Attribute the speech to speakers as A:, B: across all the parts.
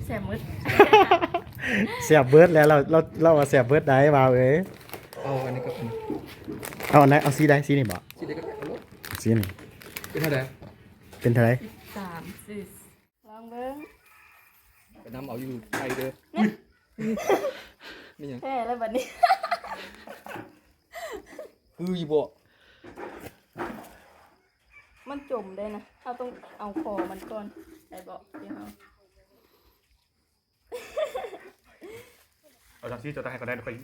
A: แสบมืด
B: เสียบเบิร์ดแล้วเราเสียบเบิร์ดได้บ่าวเอ้ย
C: เอาอันนี้ก็เป็น
B: เอาอันไหนเอาสีใดสีนี่บ่
C: สีเด็กก็เอารถ
B: สีนี่
C: เป็นเท่าไหร่
B: เป็นเท่าไหร่
A: 3 4ลองเบิ้ง
C: ไปน้ำเอาอยู่ไทยเด้อนี่ยัง
A: แพ้แล้วบัดนี้
C: คืออยู่บ่
A: มันจมได้นะเราต้องเอาคอมันก่อนได้บอกเดี๋ยวเรา
D: เอาจากที่จะได้ก็ได้ค่อย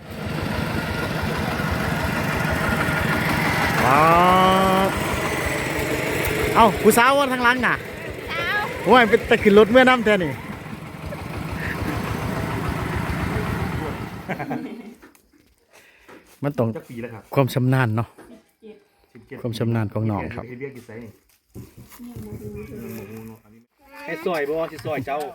B: ว้าวเอ้าผู้สาวว่าทางหลังน่ะโอ้ยเป็นตะขึ้นรถเมื่อน้ำแท้นี่มันต้อง
D: จะปีแล้วครับ
B: ความชำนาญเนาะ
D: 17
B: ความชำนาญของน้องครับ
D: เรียกกี่ไซส์นี่
C: ให้ซอยบ่สิซอยเจ้า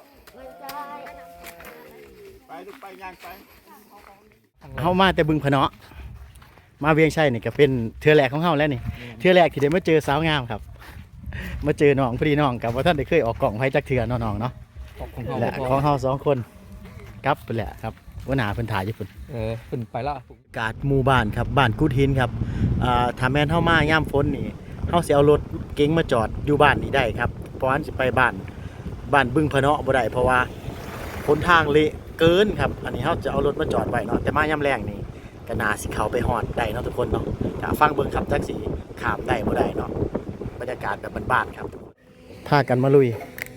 D: ไปลูกไปย่างไป
B: เฮามาแต่บึงพะเนาะมาเวียงชัยนี่ก็เป็นเทื่อแรกของเฮาแล้วนี่เทื่อแรกที่ได้มาเจอสาวงามครับมาเจอน้องพอดีน้องกับว่าท่านได้เคยออกกล่องไผจักเทื่อเนาะน้องเนาะ
C: ของเขา
B: และของเฮา2คนกลับไปแหละครับว่าหน้าเพิ่นถ่ายอยู่พุ่น
C: เพิ่นไปละ
B: กาดหมู่บ้านครับบ้านกุดหินครับถ้าแม่นเฮามายามฝนนี่เฮาสิเอารถเก๋งมาจอดอยู่บ้านนี่ได้ครับเพราะอันสิไปบ้านบึงพะเนาะบ่ได้เพราะว่าหนทางเละเกินครับอันนี้เฮาจะเอารถมาจอดไว้เนาะแต่มายามแรงนี่ก็น่าสิเข้าไปฮอดได้เนาะทุกคนเนาะถ้าฟังเบิ่งครับจักสิข้ามได้บ่ได้เนาะบรรยากาศแบบบ้านๆครับพากันมาลุย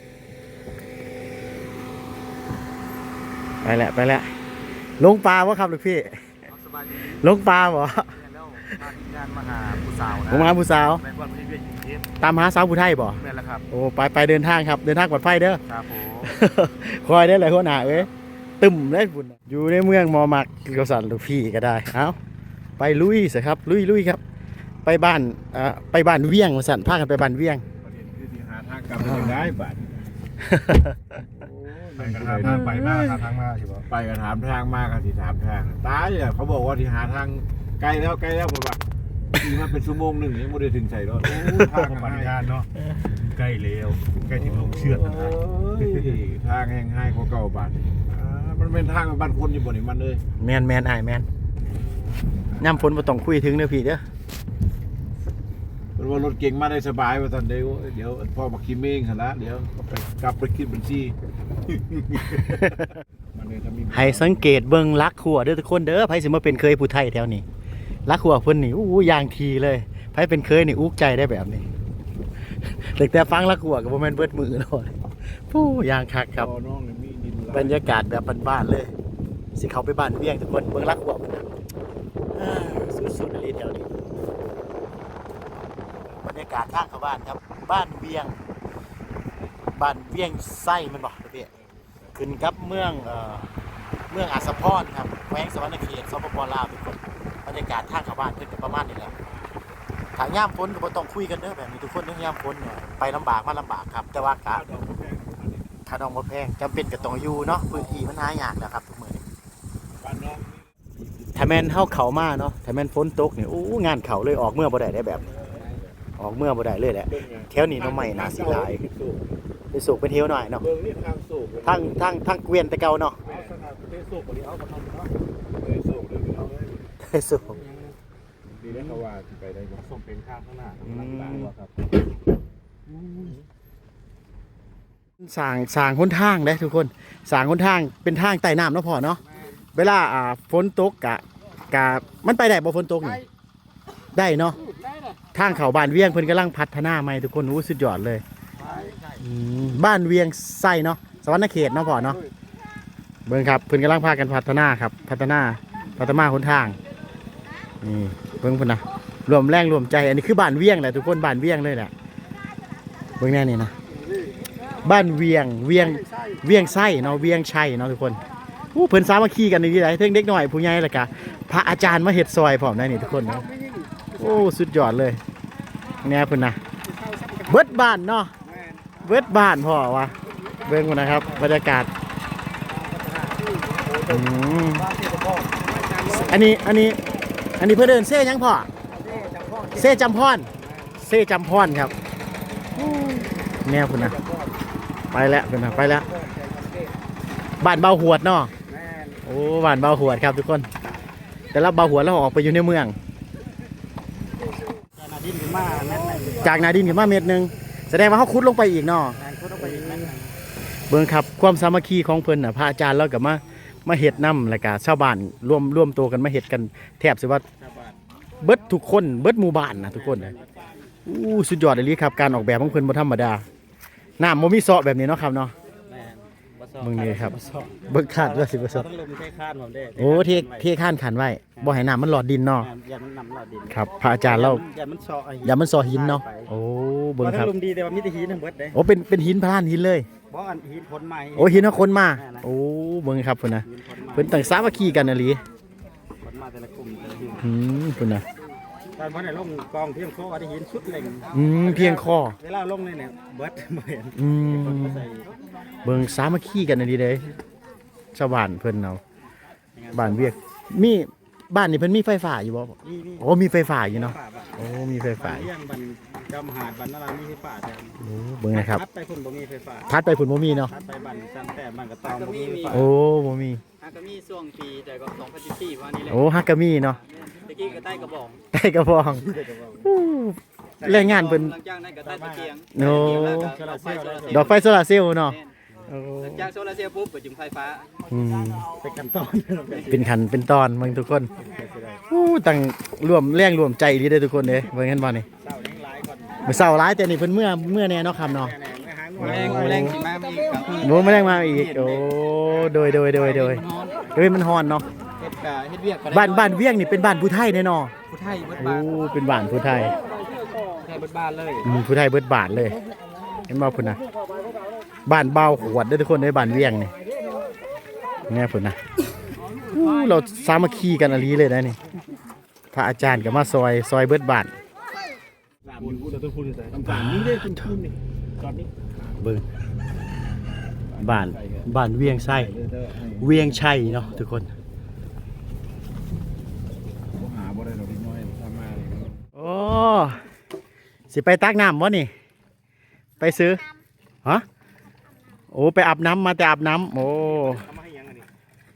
B: ไปแล้วลงปลาวะครับลูกพี่
D: สบายดี
B: ลงปลาบ่
D: แล้วพาทีมงานมาหาผู้สาวนะ
B: ผมมาผู้สาว
D: แม่วันพี่เวียนกรุงเทพ
B: ตามหาสาวผู้ไทยบ่
D: แม่แล้วครับ
B: โอ้ไปเดินทางครับเดินทางปลอดภัยเด้อ
D: ครับผม
B: คอยได้เลยหัวหน้าเอ้ยตึมได้บุญอยู่ในเมืองมอมักกษัตริย์ลูกพี่ก็ได้เอาไปลุยสิครับลุยครับไปบ้านเวียงสั่นพากันไปบ้านเวียง
D: ประเด็นคือที่หาทางกลับยังได้บัดไปกันหาทางไปมาหาทางมาสิบ่ไปกันถามทางมากกันสิถามทางตายอ่ะเขาบอกว่าที่หาทางไกลแล้วผมว่าขี่มาเป็นชั่วโมงนึงยังไม่ได้ถึงใส่รถโอ้ทางปฏิญาณเนาะใกล้แล้วใกล้ถึงลงเชือดนะทางแห้งให้ของเก่าบ้านมันเป็นทางบ้านคนอยู่บ่นี่มันเลย
B: แมนอ้ายแมนน้ำฝนบ่ต้องคุยถึงเด้อพี่เด้อ
D: เป็นว่ารถเก่งมาได้สบายว่าตอนเดี๋ยวพ่อมาคิมเองหั่นละเดี๋ยวกลับไปคิดบัญชีมันเลยถ้ามี
B: ให้สังเกตเบิ่งลักขัวเด้อทุกคนเด้อไผสิมาเป็นเคยผู้ไทยแถวนี้ลักขัวเพิ่นนี่อู้อย่างทีเลยไผเป็นเคยนี่อุกใจได้แบบนี้แต่ฟังลักขัวก็บ่แม่นเบิดมือเนาะผู้อย่างคักครับ
D: น้องนี่มีดิน
B: บรรยากาศแบบบ้านๆเลยสิเขาไปบ้านเวียงทุกคนเมืองรักหัวมันนะสุดๆเลยแถวนี้บรรยากาศทางเข้าบ้านครับบ้านเวียงไส้มันบอกพี่ขึ้นกับเมืองอาสาพรครับแขวงสวรรณเขตสปปลาวทุกคนบรรยากาศทางเข้าบ้านเพิ่นก็ประมาณนี้แหละถ้าย่ามฝนก็บ่ต้องคุยกันเด้อแบบนี้ทุกคนเด้อย่ามฝนเนี่ยไปลำบากมาลำบากครับแต่ว่ากะ ค่าดองบ่แพงจำเป็นก็ต้องอยู่เนาะพื้นที่มันหายากแล้วครับทุกมื้อนี้
D: บ้านน้อง
B: ถ้าแม่นเฮาเข้ามาเนาะถ้าแม่นฝนตกนี่งานเข้าเลยออกเมื่อบ่ได้แบบนี้ออกเมื่อบ่ได้เลยแหละแถวนี้น้องใหม่น่าสิหลายไปสูกไปเที่ยวหน่อยเนาะ
D: เบิ่งนี่ทางสูบ
B: ทางเกวียนแต่เก่าเนาะ
D: เอาสถานประเทศสูบบ่ได้เอามาทำเนาะเลยสูบเลยเอาเลย
B: ไปสูก
D: ดีแล้วเขาว่าสิไปได้บ่ส่งเป็นข้างข้างหน้าหลังตาว่าครับ
B: สร้างหนทางเด้ทุกคนสร้างหนทางเป็นทางใต้น้ำเนาะพ่อเนาะเวลาฝนตกกะมันไปได้บ่ฝนตกนี่ได้เนาะทางเข้าบ้านเวียงเพิ่นกำลังพัฒนาใหม่ทุกคนสุดยอดเลยบ้านเวียงไส้เนาะสวรรณเขตเนาะพ่อเนาะเบิ่งครับเพิ่นกำลังพากันพัฒนาครับพัฒนาหนทางนี่เบิ่งเพิ่นนะรวมแรงรวมใจอันนี้คือบ้านเวียงแหละทุกคนบ้านเวียงเลยแหละเบิ่งแน่นี่นะบ้านเวียงไส้เนาะเวียงชัยเนาะทุกคนเพิ่นสามัคคีกันนี่ได้เทิงเด็กน้อยผู้ใหญ่แล้วก็พระอาจารย์มาเฮ็ดซอยพร้อมได้นี่ทุกคนเนาะโอ้สุดยอดเลยแน่เพิ่นนะเบิดบ้านเนาะเบิดบ้านพ่อวะเบิ่งพุ่นนะครับบรรยากาศอันนี้เพื่อเดินเซ่ยังพ่อเซ่จำพรครับแนวคุณนะไปแล้วคุณนะไปแล้วบ้านเบาหวดเนาะ
D: แม่น
B: โอ้บ้านเบาหวดครับทุกคน แต่ละเบาหวดแล้วออกไปอยู่ในเมือง
C: นาดินขึ้นมาแม่นไหน
B: จากนาดินขึ้นมาเม็ดหนึงแสดงว่าเขาขุดลงไปอีกเนาะ
C: งานเขาต้องไปอีกแม่นไหน
B: เบิ่งครับความสามัคคีของเพิ่นน่ะพระอาจารย์เราก็มาเฮ็ดนำแล้วก็ชาวบ้านร่วมตัวกันมาเฮ็ดกันแทบสิว่า
C: ชาวบ้าน
B: เบิดทุกคนเบิดหมู่บ้านนะทุกคนเลยอู้สุดยอดเลยครับการออกแบบของเพิ่นบ่ธรรมดาน้ำบ่มีเซาะแบบนี้เนาะครับเนาะ
C: แม่นบ่ซอก
B: มึงนี่ครับ เบิ่งคาดว่าสิบ่
C: เรา
B: เซาะ
C: ต้องลมใช้คานผมได้
B: โอ้เทข้านขันไว้บ่ให้น้ำมันหลอดดินเนาะ
C: อย่ามันนำเราดิน
B: ครับพระอาจารย์เรา
C: อย่ามันซอก
B: อย่ามันซอหินเนาะโอ้เบิ่ง
C: บ่
B: ค
C: ถ้า
B: รับ
C: ลมดีแต่ว่ามีแต่หินทั้งเบิดเด้
B: โอ้เป็นหินพลานหินเลย
C: บ่อันหินผลไม้
B: โอ้หินเอาคนมาโอ้เบิ่งครับพุ่นน่ะ
C: หินผลไม้
B: เพิ่นตั้งสามัคคีกันอะลี
C: ผลไม้แต่ละกลุ่มแต่ละหิน
B: พุ่นน่ะ
C: ตอนวันไหนลงกองเพียงโคก็ได้หินสุดเล็ง
B: เพียงคอ
C: เวลาลงเนี่ยเบิดบ่เห็น
B: อืม
C: ใส่
B: เบิ่งสามัคคีกันอะลีเด้ชาวบ้านเพิ่นเอาบ้านเวียกมีบ้านนี่เพิ่นมีไฟฟ้าอยู่บ่
C: นี่
B: โอ้มีไฟฟ้าอยู่เนาะ
C: ป่าบ้าน
B: โอ้มีไฟฟ้า
C: เลี้ยงบันจำหาดบันนารามีไฟฟ้าแทน
B: โอ้เบิ่งนะครับ
C: ทัดไปพุ่นบ่มีไฟฟ้า
B: ทัดไปฝุ่นบ่มีเนาะ
C: ทัดไปบันจันแต่บันกระตองบ่มีไฟฟ้า
B: โอ้บ่มี
E: ฮากามีช่วงปีแต่ก็2014ว่านี่แหละ
B: โอ้ฮักกะมีเนาะ
E: ตะกี้ก็ใต้กระบอก
B: ใต้กระบองอู้แรงงานเพิ่น
E: หลังจากนั้นก็ใต้ตะเกียง
B: โอ้
E: ดอกไฟโซลาร์เซลล์
B: ดอกไฟโซลาร์เซลล์เนาะโอ้
E: หลังจากโซลาร์เซลล์ปุ๊บก็จุ่มไฟฟ้า
B: อืม
C: ไปกันตอน
B: เป็นขันเป็นตอนเบิ่งทุกคนอู้ตั้งร่วมแรงร่วมใจดีเด้อทุกคนเด้เบิ่งเห็นบ่นี่
C: เศร้าแรงหลายก่อน
B: มื้อเช้าหลายแต่นี่เพิ่นเมื่อแน่เนาะครับเนาะ
C: แน่ๆไม่หาง
E: แรงสิมามีกับ
B: โอ้มาแรงมาอีกโอ้โดยมันฮ้อนเนาะ
E: เฮ็ดเวียกก็ได้
B: บ้านเวียงนี่เป็นบ้านผู้ไทยแน่เนาะ
E: ผู้ไทยเบิด
B: โอ้
E: บ้าน
B: เป็นบ้านผู้ไทย
E: ไทยเบิดบ้านเลย
B: ผู้ไทยเบิดบาทเลยเห็นบ่พุ่นนะบ้านเบาขวดเด้อทุกคนในบ้านเวียงนี่แน่พุ่นนะอู้เราสามัคคีกันอะลีเลยนะนี่พระอาจารย์ก็มาซอยเบิดบาท
C: ต่างๆนี่ได้คุณคุณนี่ตอนนี้
B: เบิ่งบ้านเวียงไส้เวียงชัยเนาะทุกคน
D: หาบ่ได้ดอกนิดน้อยทำมาเลย
B: โอ้สิไปตักน้ำบ่นี่ไปซื้อฮะโอ้ไปอาบน้ำมาแต่อาบน้ำโอ้
C: ทำมาให้ยังอันนี้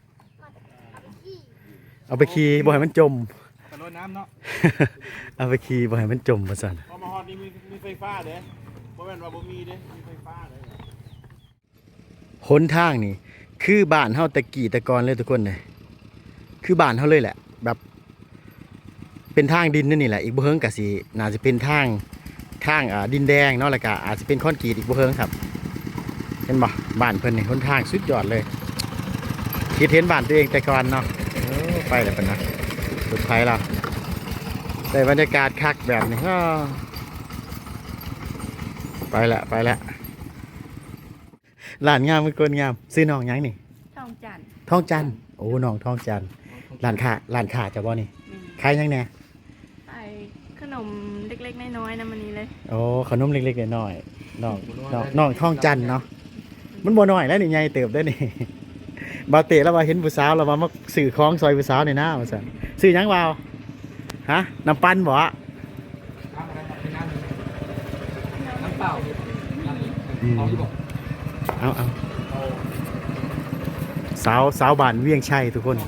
B: เอาไปขี่บ่ให้มันจม
C: ตะลดน้ำเนาะ
B: เอาไปขี่บ่ให้มันจมว่าซั่น
C: พอมาฮอดนี่มีไฟฟ้าเด้บ่แม่นว่าบ่มีเด้มีไฟฟ้าเลย
B: หนทางนี่คือบ้านเฮาตะกี้ตะกอนเลยทุกคนเลยคือบ้านเฮาเลยแหละ แบบเป็นทางดินนี่แหละอีกบ่เฮิงก็สิน่าจะเป็นทางดินแดงเนาะแล้วก็อาจจะเป็นคอนกรีตอีกบ่เฮิงครับเห็นบ่บ้านเพิ่นนี่หนทางสุดยอดเลยคิดเห็นบ้านตัวเองแต่ก่อนเนาะไปแล้วเพิ่นนะสุดท้ายแล้วได้บรรยากาศคักแบบนี้ก็ไปละร้านงามเป็นคนงามซื้อน้องหยังนี่
A: ทองจันทร์
B: ทองจันทร์โอ้น้องทองจันทร์ร้านค้าจะบ่นี่ขายหยังแหน่
A: ไปขนมเล็กๆน้อยๆนะมันนี้เลย
B: โอ้ขนมเล็กๆน้อยๆน้องทองจันทร์เนาะมันบ่น้อยแล้วนี่ใหญ่เติบได้อนี่ บ่าวเตะแล้วว่าเห็นผู้สาวแล้วว่ามาซื้อของซอยผู้สาวนี่นะว่าซั่นซื้อหยังบ่าวฮะน้ำปั่นบ่อะ
E: น้ำเปล่า
B: อืมเอาสาวบ้านเวียงชัยทุกคน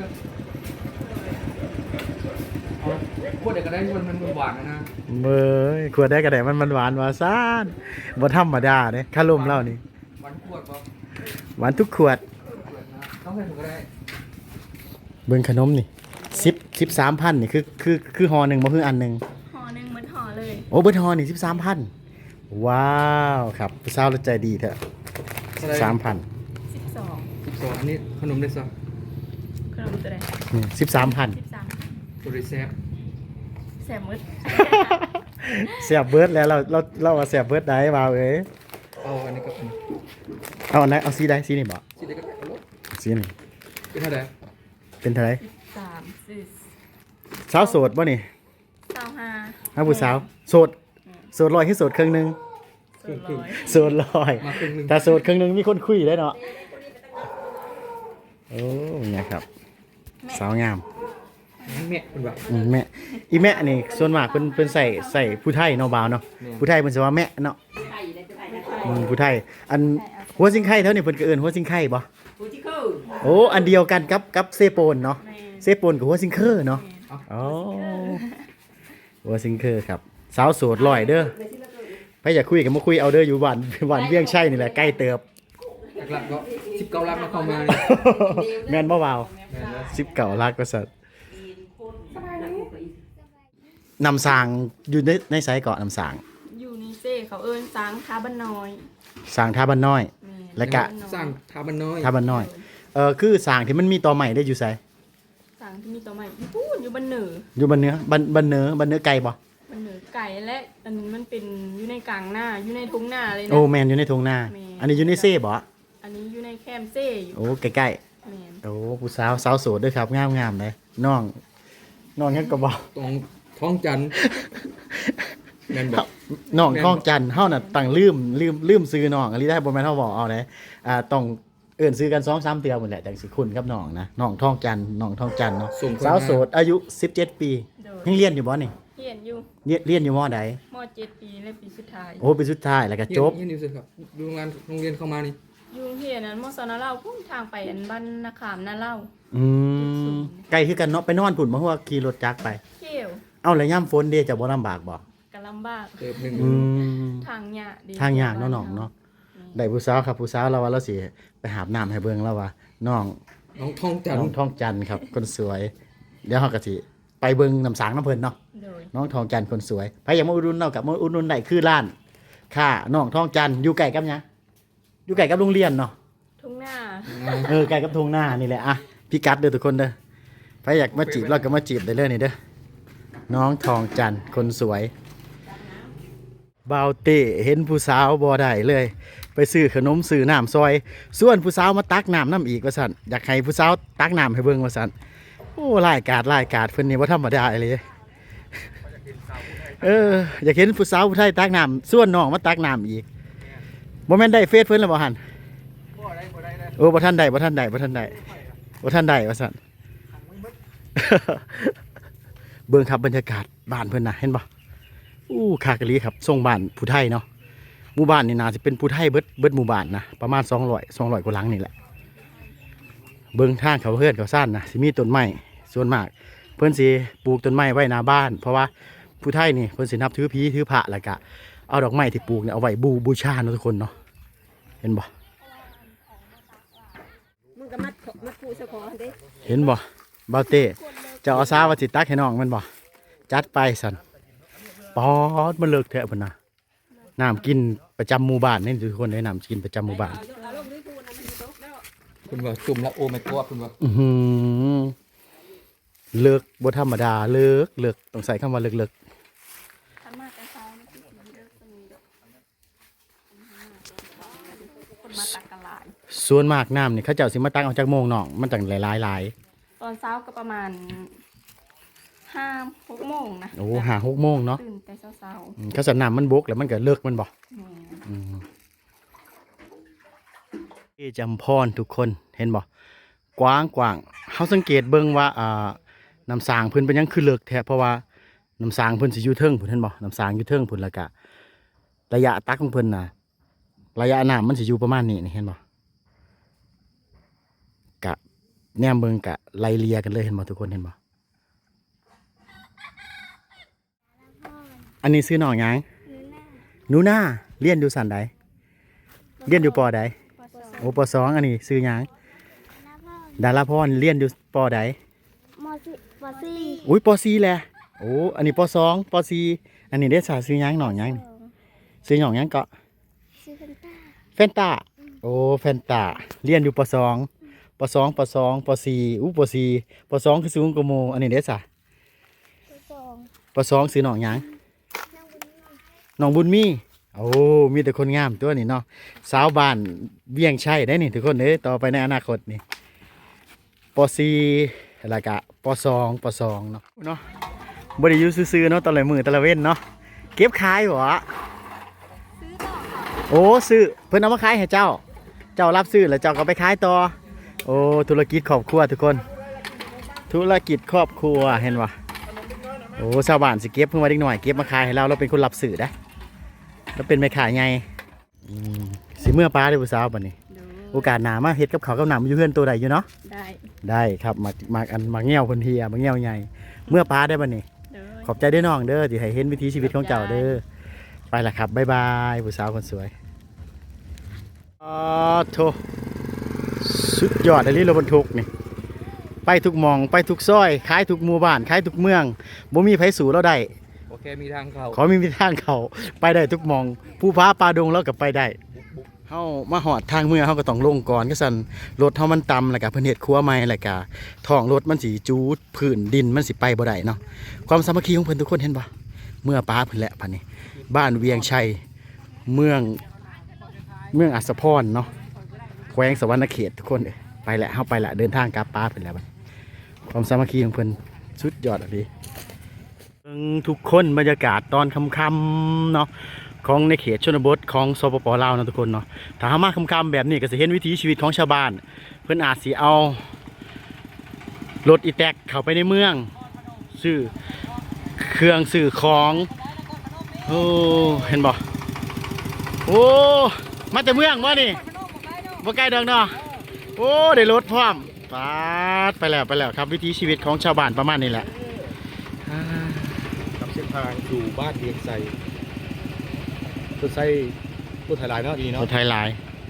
E: พวกเด็กก็ได้มันหวานนะ
B: เบ้ยขวดได้กระแดมันหวานว่าซ่านบ่ธรรมดาเด้คาร่มเล่านี่
E: หวานขวดป่ะ
B: หวานทุกขวด
E: ต้องใส่ถุงก็ได้
B: เบิ่งขนมนี่13,000นี่คือห่อหนึงบ่คืออันหนึง
A: ห่อหนึงเหมือนห่อเลย
B: โอ้เบิดห่อนี่13,000ว้าวครับผู้สาวเราใจดีเถอะ13,000
A: 12
E: 12อันนี้ขนมได้ซะ
A: ขนมตัวใด
B: 13,000
A: 13
E: ตัวรีเซฟ
A: แสบมืด
B: แซ่บเบิดแล้วเราว่าแซ่บเบิดได้บ่าวเอ้ย
E: เอาอันนี้ก็เป็น
B: เอาอันไหนเอาสีใดสีนี่บ่
E: สิได้ก็เอารถ
B: สีนี่
E: เป็นเท่าไหร่
B: เป็นเท่าไหร่
A: 13
B: สาวโสดบ่นี่
A: 25
B: ฮะผู้สาวโสดร้อยคือโสดครึ่งหนึง
A: 200
B: โสดร้อย
E: มาครึ่งนึง
B: ถ้าโสดครึ่งหนึงมีคนคุยได้เนาะโอ้เนี่ยครับสาวงาม
E: แม่เป็นแบบ
B: แม่อีแม่นี่ส่วนมากเพิ่นใส่ผู้ไทยเนาะบ่าวเนาะผู้ไทยเพิ่นสิว่าแม่เนาะผู้ไทยอันหัวซิงไข่เท่านี้เพิ่นก็เอิ้นหัวซิงไข่บ่
E: ฟูจิเคิล
B: โอ้อันเดียวกันกับเซโปนเนาะ
A: แม่
B: เซโปนกับหัวซิงเคอร์เนาะอ๋อหัวซิงเคอร์ครับสาวโสดลอยเด้อไปอยากคุยกับมาคุยเอาเด้ออยู่บ้านบ้านเวียงชัยนี่แหละใกล้เติบ
E: หลักๆก็19ลักมาเข้ามาเนี่ย
B: แม่นบ่เบา
E: แม่นแล้ว
B: 19ลักก็สัตว์นำสางอยู่ในไสเกาะนำสาง
A: อยู่นี่เจ้เขาเอิ้นสางคาบ้านน้อย
B: สางท่าบ้านน้อย
A: แม่
B: และกะ
E: สร้างทาบันน้อย
B: ท่าบ้านน้อยคือสางที่มันมีตอใหม่ได้อยู่ไส
A: สางที่มีตัวใหม่อยู่พูดอยู่บ้านเหนือ
B: อยู่บ้านเนื้อบ้านเนื้อไก่บ่
A: บ้านเหนือไก่และอันนี้มันเป็นอยู่ในกลางหน้าอยู่ในทุ่งนาเลยนะ
B: โอ้แมนอยู่ในทุ่งนา
A: แม่น
B: อันนี้อยู่ในเซ่บ่
A: อันนี้อยู่ในแคมป์เซ่อยู่
B: โอ้ใกล้ๆ
A: แม่น
B: โอ้ผู้สาวโสดด้วยครับงามเลยน้องยังก็บอก
E: ตรงท้องจันทร์แม่นแบบ
B: น้องท้องจันทร์เฮาน่ะตั้งลืมซื้อน้องอันนี้ได้บ่แม่นเฮาบอกเอาเลยต้องเอิ้นซื้อกัน 2-3 เทื่อหมดแหละจังสิคุ้นกับน้องนะน้องท้องจันทร์เนาะสาวโสดอายุ 17 ปี
A: โดย
B: ยังเรียนอยู่บ่นี่
A: เฮียนอยู่
B: เรียนอยู่มใด
A: ม .7 ปีและปีสุดท้าย
B: โอ้ปีสุดท้ายแล้วก็จบ
E: เฮียนอยู่สิครับดูโรงเรียนเข้ามานี่
A: อยู่เฮียนนั้นมสนเล่าพุ่งทางไปอันบ้านนาขามนาเล่า
B: อืมไกลคือกันเนาะไปนอนพุ่นบ่ฮู้ว่าขี่รถจักรไป
A: เที่ยว
B: เอ้าแล้วยามฝนเด้จะบ่ลำบากบ่
A: กะลำบาก
E: เติบหนึ่ง
B: อืม
A: ทางยากดี
B: ทางยากเนาะน้องเนาะได้ผู้สาวครับผู้สาวเราว่าเราสิไปหาบน้ำให้เบิ่งแล้วว่าน้อง
E: น้องท้องจันท
B: น้อง
E: ร์
B: ทองจันทร์ครับคนสวย เดี๋ยวเฮาก็สิไปเบิ่งน้ำสางน้ำเพิ่นเนาะ
A: โดย
B: น้องทองจันทร์คนสวยไปอยากมาอุดหนุนเนาะกับมาอุดหนุนได้คือร้านค่ะน้องทองจันทร์อยู่ใกล้กับหยังอยู่ใกล้กับโรงเรียนเนาะ
A: ทุ่งหน้า
B: ใกล้กับทุ่งนานี่แหละอ่ะพี่กัดเด้อทุกคนเด้อไปอยากมาจีบเราก็มาจีบได้เลยนี่เด้อน้องทองจันทร์คนสวยบ่าวเต้เห็นผู้สาวบ่ได้เลย ไปซื้อขนมซื้อน้ำซอยส่วนผู้สาวมาตักน้ำน้ำอีกว่าซั่นอยากให้ผู้สาวตักน้ำให้เบิ่งว่าซั่นโอ้รายการเพิ่นนี่บ่ธรรมดาเลยอยากเห็นผู้สาวผู้ไทยตักน้ำส่วนน้องมาตักน้ำอีกบ่แม่นได้เฟซเพิ่นแล้วบ่หั่นโอ้บ่ทันได้ว่าซั่น เบิ่งครับบรรยากาศบ้านเพิ่นน่ะเห็นบ่อู้คากะลีครับทรงบ้านผู้ไทยเนาะหมู่บ้านนี่น่าสิเป็นผู้ไทยเบิดหมู่บ้านนะประมาณ200กว่าหลังนี่แหละเบิ่งทางเขาเฮือนเขาซ่านนะสิมีต้นไม้ส่วนมากเพิ่นสิปลูกต้นไม้ไว้หน้าบ้านเพราะว่าผู้ไทยนี่เพิ่นสินับถือผีถือพระแล้วก็เอาดอกไม้ที่ปลูกเนี่ยเอาไว้บูชาเนาะทุกคนเนาะเห็นบ่
F: มึงก็มัดผูสะขอเด้
B: เห็นบ่บ่าวเต้เจ้าอาสาว่าสิตักให้น้องมันบ่จัดไปสั่นปอดมันเลิกแท้เพิ่นน่ะน้ำกินประจำหมู่บ้านนี่ทุกคนได้น้ำกินประจำหมู่บ้าน
E: คุณว่าจุ่มแล้วโอ้ไม่กลัวคุณว่า
B: อื้อหือเลิกบ่ธรรมดาเลิกต้องใส่คำว่าเลิก
A: ทำมากแต่เช้านี่คือสีเลิกตรงนี้ดอกคนมาตักกันหลาย
B: ส่วนมากน้ำนี่เขาเจ้าสิมาตักเอาจากโมงน้องมันจังหลาย
A: ตอนเช้าก็ประมาณ5-6 โมงนะ
B: โอ้5-6 โมงเนาะ
A: ตื่นแต่เช้า
B: เขาสน้ำมันบกแล้วมันก็เลิกมันบ่
A: ๆแม่
B: ที่จำพรทุกคนเห็นบ่กว้างเฮาสังเกตเบิ่งว่าน้ำสางเพิ่นเป็นหยังคือเลิกแท้เพราะว่าน้ำสางเพิ่นสิอยู่เทิงพุ่นเห็นบ่น้ำสางอยู่เทิงพุ่นแล้วก็ระยะตักของเพิ่นน่ะระยะน้ำมันสิอยู่ประมาณนี้นี่เห็นบ่กะแนมเบิ่งกะไล่เลียกันเลยเห็นบ่ทุกคนเห็นบ่อันนี้ซื้อน้องหยังหนูนาเรียนอยู่สันใดเรียนอยู่ปอใดโอ้ปอ2อันนี้ซื้อหยังดาราพรเรียนอยู่ปอใด
F: ปอซี่
B: อุ้ยป4แหละโอ้อันนี้ป2ป4อันนี้ได้สาซื้อหยังหนองหยังนี่ซื้อหนองหยังเกาะ
F: ซื้อกันต้า
B: แฟนตาโอ้แฟนตาเรียนอยู่ป2ป2ป2ป4อู้ป4ป2คือสูงกว่าหมู่อันนี้ได้สา
F: ปอสอง
B: ป2ซื้อหนองหยัง
F: นั่งบนนี้
B: หนองบุญมีโอ้มีแต่คนงามตัวนี้เนาะสาวบ้านเวียงชัยได้นี่ทุกคนเอ้ยต่อไปในอนาคตนี่ป4แล้วก็ป2เนาะบ่ได้อยู่ซื่อๆเนาะตะละมื้อตะละเว้นเนาะเก็บขายบ่โอ้ซื้อเพิ่นเอามาขายให้เจ้ารับซื้อแล้วเจ้าก็ไปขายต่อโอ้ธุรกิจครอบครัวทุกคนธุรกิจครอบครัวเห็นบ่โอ้ชาวบ้านสิเก็บเพิ่งมาเด็กหน่อยเก็บมาขายให้เราเป็นคนรับซื้อได้แล้วเป็นแม่ขายไงสิเมื่อป้าได้ผู้สาวบัดนี้
A: ดู
B: โอกาสหน้ามาเฮ็ดกับเขาวกับหนำอยู่เพื่อนตัวใดอยู่เนาะ
A: ได้
B: ได้ครับมาเงี้ยวเพิ่นเฮียมาเงี้ยวใหญ่เมื่อป้าได้บัดนี้
A: เด้อ
B: ขอบใจเด้อน้องเด้อที่ให้เห็นวิถีชีวิตของเจ้าเด้อไปละครับบ๊ายบายผู้สาวคนสวยอ๋อโถสุดยอดอันนี้รถบรรทุกนี่ไปทุกหมองไปทุกซอยขายทุกหมู่บ้านขายทุกเมืองบ่มีไผสู่เราได้
E: โอเคมีทางเข้า
B: ขอมีทางเขาไปได้ทุกหมอง ผู้พาปลาดงแล้วก็ไปได้เฮามาหอดทางเมืองเฮาก็ต้องลงก่อนก็สั่นรถเฮามันต่ำแล้วก็เพิ่นเฮ็ดครัวใหม่แล้วก็ท้องรถมันสิจูดพื้นดินมันสิไปบ่ได้เนาะความสามัคคีของเพิ่นทุกคนเห็นบ่เมื่อป้าเพิ่นแหละพันนี้บ้านเวียงชัยเมืองอัศพรเนาะแขวงสวรรณเขตทุกคนเอ้ยไปแหละเฮาไปละเดินทางกลับป้าเพิ่นแล้วบัดความสามัคคีของเพิ่นสุดยอดอ่ะพี่ทุกคนบรรยากาศตอนค่ำๆเนาะของในเขตชนบทของสปปลาวนะทุกคนเนาะถ้าหามาค่ำๆแบบนี้ก็จะเห็นวิถีชีวิตของชาวบ้านเพิ่นอาจสิเอารถอีแตกเข้าไปในเมืองซื้อเครื่องซื้อของโอ้เห็นบ่โอ้มาจากเมืองบ่นี่บ่ไกลดอกเนาะโอ้ได้รถพร้อมปาดไปแล้วครับวิถีชีวิตของชาวบ้านประมาณนี้แหละ
D: กับเส้นทางสู่บ้านเวียงไซรถไซรถไถลายเนาะดี
B: ร
D: เนาะ
B: ถไทยลาย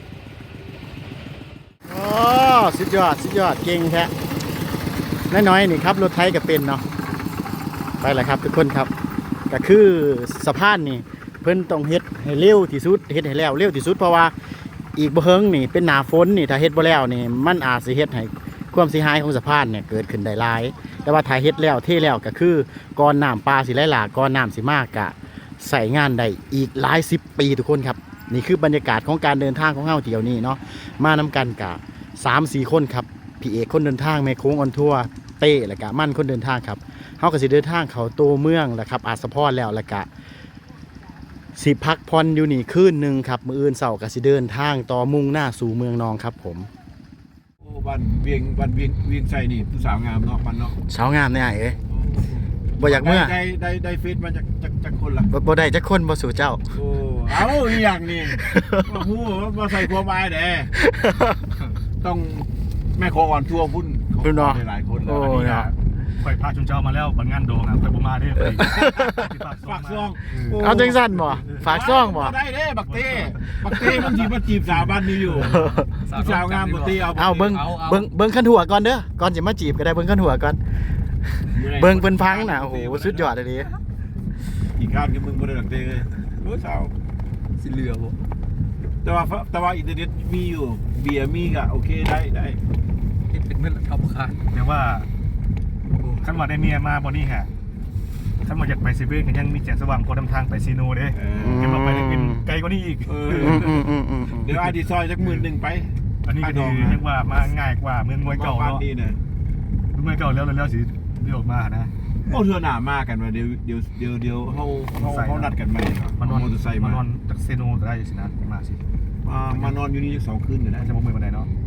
B: โอ้สุดยอดเก่งแท้น้อยๆนี่ครับรถไทยก็เป็นเนาะไปแหละครับทุกคนครับก็คือสะพานนี่เพิ่นต้องเฮ็ดให้เร็วที่สุดเฮ็ดให้แล้วเร็วที่สุดเพราะว่าอีกบ่เฮิงนี่เป็นหน้าฝนนี่ถ้าเฮ็ดบ่แล้วนี่มันอาจสิเฮ็ดให้ความเสียหายของสะพานเนี่ยเกิดขึ้นได้หลายแต่ว่าถ้าเฮ็ดแล้วเทแล้วก็คือก่อนน้ำปลาสิไหลหลากก่อนน้ำสิมากกะใส่งานได้อีกหลาย10 ปีทุกคนครับนี่คือบรรยากาศของการเดินทางของเฮาเที่ยวนี้เนาะมานำกันกะ 3-4 คนครับพี่เอกคนเดินทางแม่โค้งออนทัวร์เต้แล้วก็มั่นคนเดินทางครับเฮาก็สิเดินทางเข้าตัวเมืองแหละครับอาสะพรแล้วก็สิพักผ่อนอยู่นี่คืนนึงครับมื้ออื่นเช้าก็สิเดินทางต่อมุ่งหน้าสู่เมืองนองครับผม
D: โอ้บ้านเวียงไซนี่ผู้สาวงามเนาะมันเนาะ
B: เช้างามแน่ไอ้เอ้ยบ่อยากเมื่อ
D: ได้เฟซมาจากคนล่ะ
B: บ่ได้จักคนบ่สู่เจ้า
D: โอ้เอาอีหยังนี่มาฮู้มาใส่ความหมายเด้ต้องแม่โคอ่อนทัวร์พุ่น
B: พุ่นเนาะ
D: หลายคนแล้ว
B: โอ้
D: อันนี้
B: เนาะ
D: นะ
C: ข่อยพาชุนเจ้ามาแล้วบันงานโดงอ่ะข่อยบ่มาเด้อ
D: ฝากซอง
B: เอาจังซั่นบ่ฝากซ่องบ่
D: ได้เด้บักเต้มันสิมาจีบสาวบ้านนี้อยู่ผู้สาวงามบักเต้เอา
B: เบิ่งขันหัวก่อนเด้อก่อนสิมาจีบก็ได้เบิ่งขันหัวก่อนเบิ่งเพิ่นพังน่ะโอ้โหสุดยอดเลยดิ
D: อีกครั้งที่มึงบ่ได้บักเต้เลยรู้สาว
E: สิเหลือบ่
D: แต่ว่าอินเทอร์เน็ตมีอยู่เบียร์มีก็โอเคได้
E: เฮ็ดเป็นเงินเข้าบ่ขาด
C: แต่ว่าคันว่าได้เมียมาบ่นี่ฮะคันว่าอยากไปเซเว่นก็ยังมีแสงสว่างพอนำทางไปซีโนเด้เก็บมาไปได้กินไกลกว่านี้อีก
D: เดี๋ยวอาดีซอยจัก11,000ไป
C: อันนี้ก็ดีเรียกว่ามาง่ายกว่าเมืองมวยเก่า
D: บ้าน
C: เนาะ
D: ดีนะ
C: เมืองมวยเก่าแล้วสิเรียกออกมานะ
D: โอ้เธอหนามากกันว่าเดี๋ยวเขานัดกันใหม่
C: มานอน
D: มอเตอร์ไซค์
C: มา
D: มาน
C: อนจากเซโนก็ได้สินะมาสิ
D: มานอนอยู่นี่2 คืนอยู่
C: น่า
D: นะ
C: จะบ่เมื่อยปานใดเนาะ